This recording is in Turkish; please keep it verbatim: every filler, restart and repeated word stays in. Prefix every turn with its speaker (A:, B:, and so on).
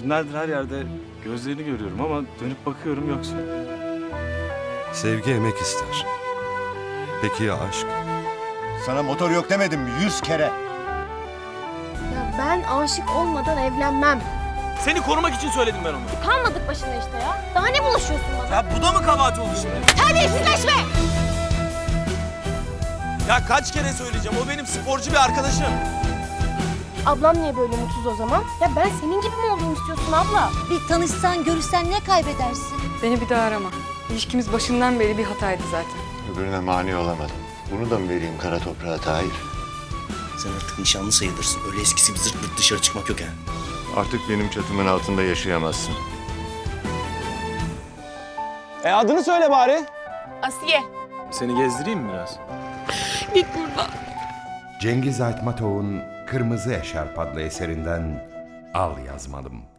A: Günlerdir her yerde gözlerini görüyorum ama dönüp bakıyorum yoksun.
B: Sevgi emek ister. Peki ya aşk?
C: Sana motor yok demedim mi yüz kere?
D: Ya ben aşık olmadan evlenmem.
E: Seni korumak için söyledim ben onu.
D: Kalmadık başına işte ya. Daha ne bulaşıyorsun bana?
E: Ya bu da mı kabahat oldu şimdi?
D: Terbiyesizleşme!
E: Ya kaç kere söyleyeceğim, o benim sporcu bir arkadaşım.
D: Ablam niye böyle mutsuz o zaman? Ya ben senin gibi mi olayım istiyorsun abla?
F: Bir tanışsan, görüşsen ne kaybedersin?
G: Beni bir daha arama. İlişkimiz başından beri bir hataydı zaten.
C: Öbürüne mani olamadım. Bunu da mı vereyim kara toprağa Tahir?
H: Sen artık nişanlı sayılırsın. Öyle eskisi bir zırt pırt dışarı çıkmak yok ha.
C: Artık benim çatımın altında yaşayamazsın.
E: E adını söyle bari.
D: Asiye.
A: Seni gezdireyim mi biraz?
D: Git buradan.
I: Cengiz Aytmatov'un Kırmızı Eşarp adlı eserinden Al yazmalım.